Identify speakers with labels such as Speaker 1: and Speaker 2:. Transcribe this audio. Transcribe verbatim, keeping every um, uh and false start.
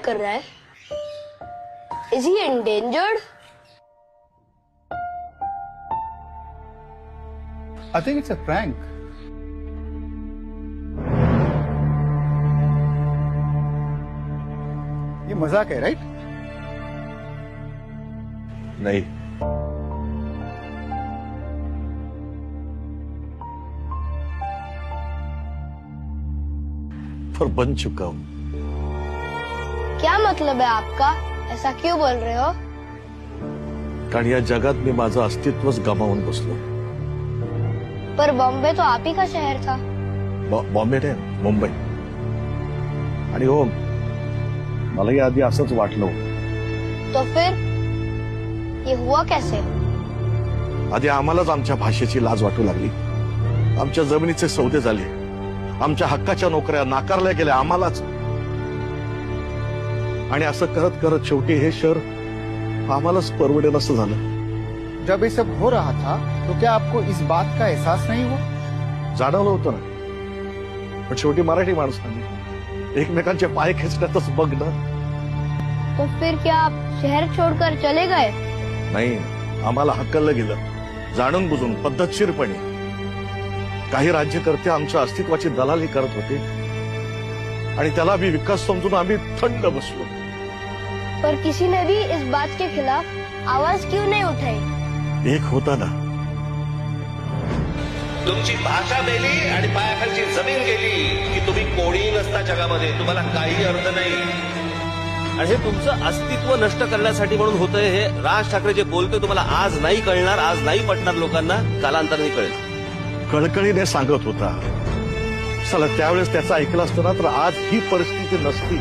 Speaker 1: कर रहा है? Is he endangered?
Speaker 2: I think it's a prank. ये मजाक है, राइट?
Speaker 3: नहीं, पर बन चुका हूं।
Speaker 1: क्या मतलब है आपका? ऐसा क्यों बोल रहे हो?
Speaker 3: कारण या जगात मी माझं अस्तित्वच गमावून बसलो।
Speaker 1: पर बॉम्बे तो आप ही का शहर था।
Speaker 3: बॉ- बॉम्बे नाही, मुंबई। आणि हो, मलाही आधी असंच वाटलं होतं।
Speaker 1: तो फिर ये हुआ कैसे?
Speaker 3: आधी आम्हालाच आमच्या भाषेची लाज वाटू लागली, आमच्या जमिनीचे सौदे झाले, आमच्या हक्काच्या नोकऱ्या नाकारल्या गेल्या आम्हालाच। आणि असं करत करत शेवटी हे शहर आम्हालाच परवडेल असं झालं।
Speaker 2: जब ये सब हो रहा था तो क्या आपको इस बात का एहसास नहीं हुआ?
Speaker 3: जाणवलं होतं ना, पण शेवटी मराठी माणसांनी एकमेकांचे पाय खेचण्यातच मग्न।
Speaker 1: तो फिर क्या आप शहर छोड़कर चले गए?
Speaker 3: नाही, आम्हाला हक्कलं गेलं, जाणून बुजून पद्धतशीरपणे। काही राज्यकर्ते आमच्या अस्तित्वाची दलाली करत होते आणि त्याला भी विकास समजून आम्ही थंड बसलो।
Speaker 1: पर किसी ने भी इस बात के खिलाफ आवाज क्यों नहीं उठाई?
Speaker 3: एक होता ना,
Speaker 4: तुमची भाषा गेली आणि पायाखालची जमीन गेली की तुम्ही कोणी नसता जगामध्ये, तुम्हाला काही अर्थ नाही। आणि हे तुमचं अस्तित्व नष्ट करण्यासाठी म्हणून होतंय। हे राज ठाकरे जे बोलतोय तुम्हाला आज नाही कळणार, आज नाही पटणार लोकांना, कालांतराने कळेल।
Speaker 3: कळकळीने सांगत होता, चला त्यावेळेस त्याचं ऐकलं असतं ना तर आज ही परिस्थिती नसती।